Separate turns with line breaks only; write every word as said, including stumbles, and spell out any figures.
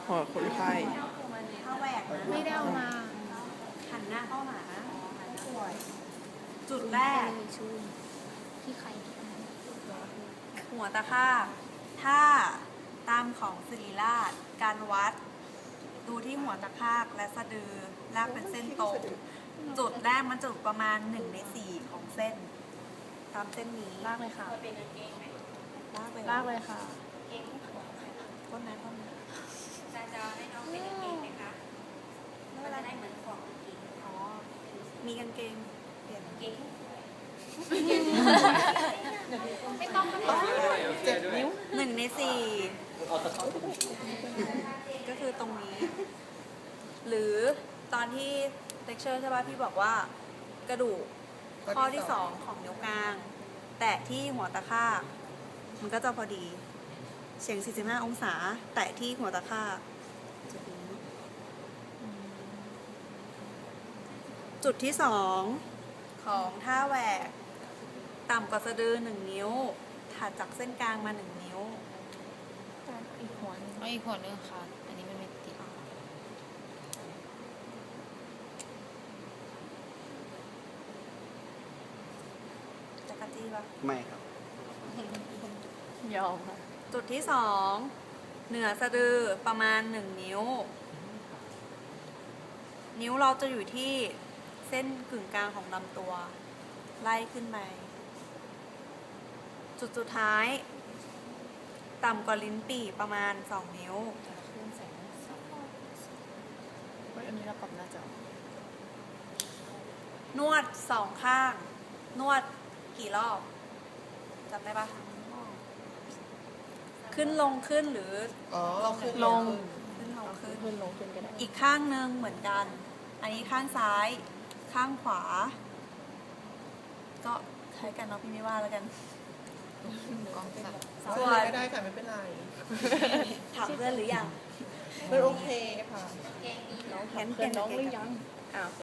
หัวคนไข้
ถ้าแหวกนะ
ไม่ได้เอามา
หันหน้าเข้าหาป่วยจุดแรก
ชูนที่ใคร
หัวตะค่าถ้าตามของศิริราชการวัด ดูที่หัวตะคากและสะดือลากเป็นเส้นตรง จุดแรกมันจะอยู่ประมาณหนึ่งในสี่ของเส้น ตามเส้นนี้
ลากเลยค่ะ
ลากไป
ลากเลยค่ะ
ก้นนะก้นนะ
จะจะให้น้องเป็นกางเกงไหมคะมันจะได้เหมือนของกางเกง
อ๋อมีกางเกงเปลี่ยน
เกง
ไม่ต้องไม่ต้อง
เจ็บนิ้ว
หนึ่งในสี่ก็คือตรงนี้ หรือตอนที่เลคเชอร์ใช่ป่ะพี่บอกว่ากระดูกข้อที่สองของนิ้วกลาง แตะที่หัวตะคากมันก็จะพอดีเฉียงสี่สิบห้าองศา แตะที่หัวตะคากจุดนี้จุดที่สองของท่าแหวก ต่ำกว่าสะดือหนึ่งนิ้ว ถัดจากเส้นกลางมาหนึ่งนิ้ว
อีกหัวนึง
เอาอีกหัวนึงค่ะ อันนี้มันไม่ติด
จักรจี้ปะ
ไม่ครับ
ยอมค่ะ
จุดที่สองเหนือสะดือประมาณหนึ่งนิ้ว นิ้วเราจะอยู่ที่เส้นกึ่งกลางของลำตัว ไล่ขึ้นไป จุดสุดท้าย ต่ำกว่าลิ้นปี่ประมาณสองนิ้ว
อันนี้เราปรับหน้าจอน
วดสองข้าง นวดกี่รอบจำได้ปะขึ้นลงขึ้นหรือ
อ๋อเราขึ้น
ลง
ขึ้นลงขึ้น
ขึ้นลงขึ้นก็ได้
อีกข้างหนึ่งเหมือนกัน อันนี้ข้างซ้าย ข้างขวา ก็ใช้กันเนาะพี่ไม่ว่าแล้วกัน
กล้องค่ะ
ส่วน
ไม่ได้ค่ะไม่เป็นไร
ถามเพื่อนหรือยัง
เป็นโอเคค่ะ
เกงดี
แขน
เพื่อนน้องหรือยังอ้าว